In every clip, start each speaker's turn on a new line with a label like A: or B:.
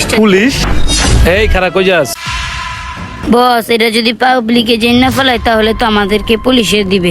A: পুলিশটা।
B: Police? এই খারাপ কই যাস?
A: বস, এটা যদি পাবলিকে জেনে না ফেলায় তাহলে তো আমাদেরকে পুলিশে দিবে।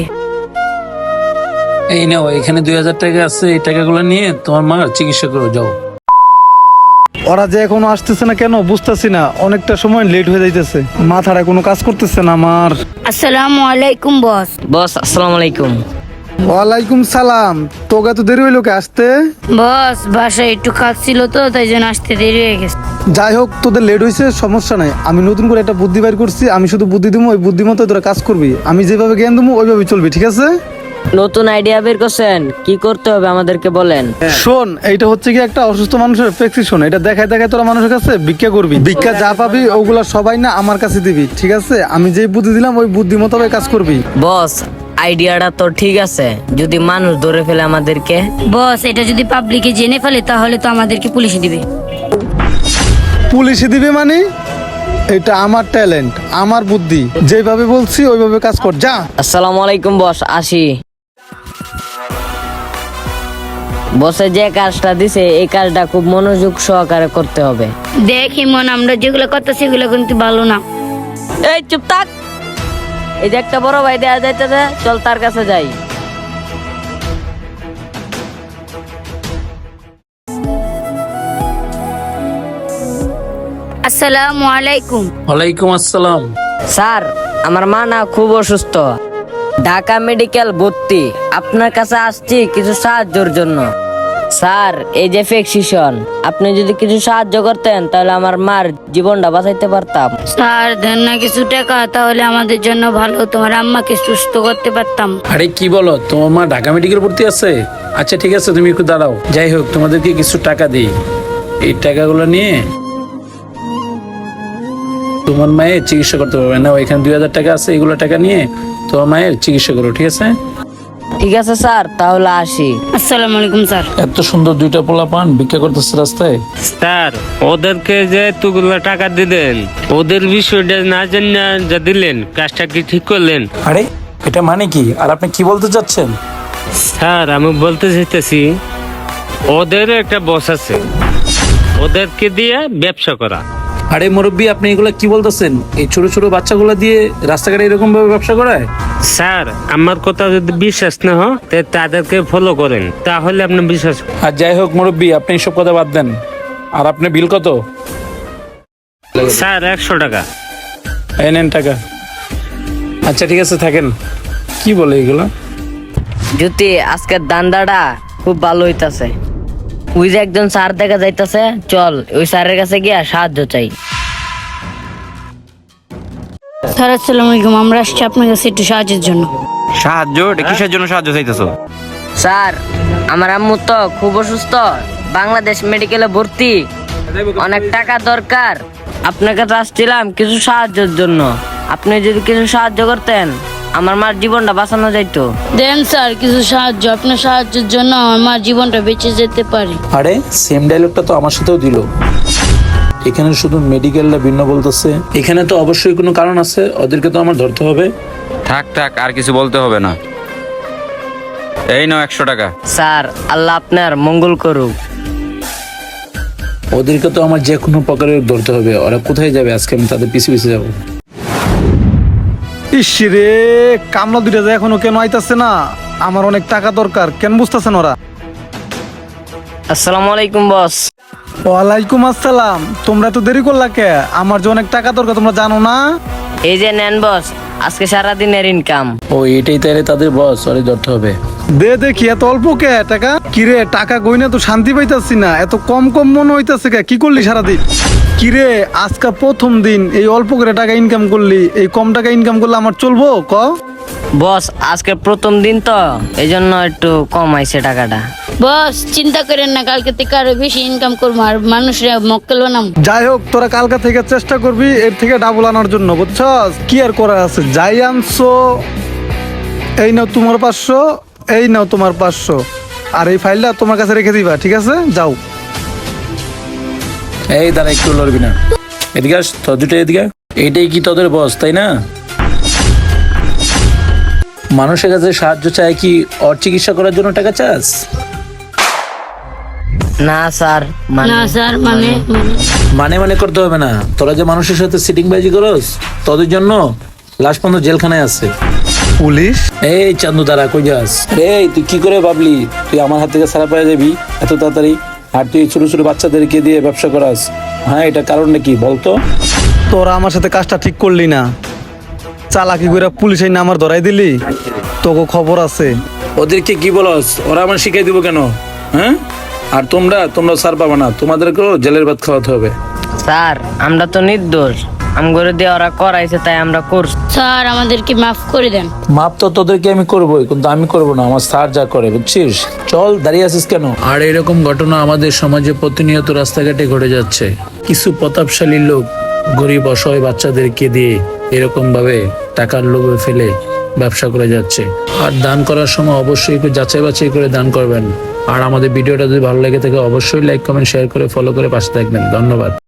B: এই নাও, এখানে 2000 টাকা আছে, এই টাকাগুলো নিয়ে তোমার মার চিকিৎসা করে যাও।
C: ওরা যে এখনো আসতেছে না কেন বুঝতেছি না, অনেকটা সময় লেট হয়ে যাইতেছে, মাথাটা কোনো কাজ করতেছে না আমার।
A: আসসালামু আলাইকুম বস।
D: বস আসসালামু আলাইকুম।
C: ওয়ালাইকুম সালাম। তোকে তো দেরি হইলো কে আসতে?
A: বস, বাসায় একটু কাজ ছিল তো, তাই জন্য আসতে দেরি হয়ে গেছে।
C: যাই হোক, তোদের লেট হয়েছে সমস্যা নাই, আমি নতুন করে একটা বুদ্ধি বের করছি, আমি শুধু বুদ্ধি দিব, ওই বুদ্ধি মতো তোরা কাজ করবি, আমি যেভাবে জ্ঞান দেবো ওইভাবে চলবি, ঠিক আছে?
D: নতুন আইডিয়া বের করছেন, কি করতে হবে আমাদেরকে বলেন।
C: শোন, এইটা হচ্ছে কি একটা অসুস্থ মানুষের প্রেসক্রিপশন, এটা দেখায় দেখায় তোরা মানুষের কাছে ভিক্ষা করবি, ভিক্ষা যা পাবি ওগুলা সবাই না আমার কাছে দিবি, ঠিক আছে? আমি যেই বুদ্ধি দিলাম ওই বুদ্ধি মোতাবেক কাজ করবি।
D: বস আইডিয়াটা তো ঠিক আছে, যদি মানুষ ধরে ফেলে আমাদেরকে।
A: বস, এটা যদি পাবলিকে জেনে ফেলে তাহলে তো আমাদেরকে পুলিশে দিবে।
C: পুলিশে দিবে মানে? এটা আমার ট্যালেন্ট, আমার বুদ্ধি, যেভাবে বলছি ওইভাবে কাজ কর, যা।
D: আসসালামু আলাইকুম বস, আসি। বসে যে কাজটা দিছে এই কাজটা খুব মনোযোগ সহকারে করতে হবে।
A: দেখ ইমন, আমরা যেগুলো করতেছি সেগুলো কিন্তু ভালো না।
D: এই চুপ থাক। এই যে একটা বড় ভাই দেয়া যাইতেছে, চল তার কাছে যাই।
A: আসসালামু আলাইকুম।
B: ওয়ালাইকুম আসসালাম।
D: স্যার, আমার মা না খুব অসুস্থ, ঢাকা মেডিকেল ভর্তি, আপনার কাছে আসছি কিছু সাহায্যের জন্য। স্যার, এই যে প্রেসক্রিপশন, আপনি যদি কিছু সাহায্য করতেন তাহলে আমার মার জীবনটা বাঁচাইতে পারতাম।
A: স্যার, দেন না কিছু টাকা, তাহলে আমাদের জন্য ভালো, তোমার আম্মাকে সুস্থ করতে পারতাম।
B: আরে কি বলো, তোমার মা ঢাকা মেডিকেল ভর্তি আছে? আচ্ছা ঠিক আছে, তুমি একটু দাঁড়াও। যাই হোক, তোমাদেরকে কিছু টাকা দিই, এই টাকাগুলো নিয়ে তোমার মায়ের চিকিৎসা করতে পারবে না। ওইখানে 2000 টাকা আছে, এগুলো টাকা নিয়ে তোমার মায়ের চিকিৎসা করো, ঠিক আছে?
D: ঠিক আছে স্যার, তাহলে আসি।
A: আসসালামু আলাইকুম স্যার।
B: এত সুন্দর দুইটা পোলা পান ভিক্ষা করতেছে রাস্তায়।
E: স্যার, ওদেরকে যে এতগুলো টাকা দিলেন, ওদের বিষয়টা না জানা যা দিলেন, কাজটা কি ঠিক করলেন?
B: আরে এটা মানে কি, আর আপনি কি বলতে চাচ্ছেন?
E: স্যার, আমি বলতে চাইতেছি ওদের একটা বস আছে, ওদেরকে দিয়ে ব্যবসা করা।
B: আরে মুরব্বী, আপনি এগুলা কি বলতেছেন? এই ছোট ছোট বাচ্চাগুলা দিয়ে রাস্তাঘাটে এরকম ভাবে ব্যবসা করায়?
E: স্যার, আমার কথা যদি বিশ্বাস না হয় তাদেরকে ফলো করেন, তাহলে আপনি বিশ্বাস।
B: আর যাই হোক মুরব্বী, আপনি এইসব কথা বাদ দেন। আর আপনার বিল কত?
E: স্যার, 100 টাকা।
B: এই নেন টাকা। আচ্ছা ঠিক আছে, থাকেন। কি বলে এগুলা?
D: জ্যোতি, আজকের দান্দাটা খুব ভালো হইতাছে। ওই যে একজন স্যার দেখা যাইতাছে, চল ওই স্যারের কাছে গিয়া সাহায্য চাই।
A: স্যার আসসালামু আলাইকুম, আমরা আসছি আপনার কাছে একটু সাহায্যের জন্য।
F: সাহায্য? এটা কিসের জন্য সাহায্য চাইতেছো?
D: স্যার, আমার আম্মু তো খুব অসুস্থ, বাংলাদেশ মেডিকেলে ভর্তি, অনেক টাকা দরকার। আপনার কাছে আসছিলাম কিছু সাহায্যের জন্য, আপনি যদি কিছু সাহায্য করতেন আমার মার জীবনটা বাঁচানো যাইতো।
A: দেন স্যার কিছু সাহায্য, আপনার সাহায্যের জন্য আমার জীবনটা বেঁচে যেতে পারে।
B: আরে সেম ডায়লগটা তো আমার সাথেও দিল। এখানে শুধু মেডিকেলটা ভিন্ন বলতেছে, এখানে তো অবশ্যই কোনো কারণ আছে, ওদেরকে তো আমার ধরতে হবে।
F: থাক থাক, আর কিছু বলতে হবে না। এই নাও 100 টাকা।
D: স্যার, আল্লাহ আপনার মঙ্গল করুক।
B: ওদেরকে তো আমার যে কোনো প্রকারে ধরতে হবে। ওরা কোথায় যাবে আজকে, আমি তাদের পিছু পিছু যাবো।
C: ইস রে, কামলা দুইটা যে এখনো কেন আইতাছে না? আমার অনেক টাকা দরকার, কেন বুঝতেছেন ওরা?
D: আসসালামু আলাইকুম বস।
C: ওয়ালাইকুম আসসালাম। তোমরা তো দেরি করলা কে? আমার যে অনেক টাকা দরকার, তোমরা জানো না?
D: এই যে নেন বস, আজকে সারাদিনের ইনকাম।
B: ও এটাই তাইলে তাদের বস, ওরে ধরতে হবে।
C: দে দেখি, এত অল্প কে টাকা? কিরে, টাকা গইনা তো শান্তি পাইতাছি না, এত কম কম মনে হইতাছে কে? কি করলি সারাদিন? কিরে, আজকে প্রথম দিন এই অল্প করে টাকা ইনকাম করলি, এই কম টাকা ইনকাম করলে আমার চলবো ক?
D: বস, আজকে প্রথম দিন তো এই জন্য একটু কম আইছে টাকাটা।
A: বস চিন্তা করেন না, কালকে থেকে আরো বেশি ইনকাম করবো, আর মানুষরা মক্কেল বানাম।
C: যাই হোক, তোরা কালকা থেকে চেষ্টা করবি এর থেকে ডাবল আনার জন্য, বুঝছস? কি আর করার আছে, যাই আনছো। এই নাও তোমার 500, এই নাও তোমার 500, আর এই ফাইলটা তোমার কাছে রেখে দিবা, ঠিক আছে? যাও।
B: এই দাঁড়া, একটু লড়বি না, এদিকে আস, তোর দুটো এদিকে। এইটাই কি তোদের বস, তাই না? মানুষের কাছে সাহায্য চায় কি ওর চিকিৎসা করার জন্য টাকা চাস?
D: না স্যার,
A: না স্যার, মানে
B: মানে করতে হবে না, তোরা যে মানুষের সাথে সিটিং বাজি করস তোদের জন্য লাস্ট পর্যন্ত জেলখানায় আছে।
C: পুলিশ?
B: এই চান্দু দাঁড়া, কই যাস? এই তুই কি করে ভাবলি তুই আমার হাত থেকে ছাড়া পেয়ে যাবি এত তাড়াতাড়ি? আর তুই ছোট ছোট বাচ্চাদেরকে দিয়ে ব্যবসা করাস? হ্যাঁ, এটা কারণটা কি বলতো?
C: তোরা আমার সাথে কাজটা ঠিক করলি না, চালাকি করে পুলিশের নাম আমার ধরাই দিলি, তোকে খবর আছে।
B: ওদেরকে কি বলস? ওরা আমার শিখাই দিব কেন? হ্যাঁ, আর তোমরা ছাড় পাবা না, তোমাদেরকেও জেলের ভাত খাওয়াতে হবে।
D: স্যার আমরা তো নির্দোষ, আমগরে দিয়ে ওরা করাইছে তাই আমরা করছি।
A: স্যার আমাদেরকে মাফ করে দেন।
B: মাপ তো তোদেরকে আমি করবোই, কিন্তু আমি করবো না, আমার স্যার যা করে, বুঝছিস? চল, দাঁড়িয়ে আছিস কেন? আর এরকম ঘটনা আমাদের সমাজে প্রতিনিয়ত রাস্তাঘাটে ঘটে যাচ্ছে। কিছু প্রতাপশালী লোক গরিব অসহায় বাচ্চাদেরকে দিয়ে এরকম ভাবে টাকার লোভে ফেলে ব্যবসা করে যাচ্ছে। আর দান করার সময় অবশ্যই একটু যাচাই বাছাই করে দান করবেন। আর আমাদের ভিডিওটা যদি ভালো লেগে থাকে অবশ্যই লাইক কমেন্ট শেয়ার করে ফলো করে পাশে থাকবেন। ধন্যবাদ।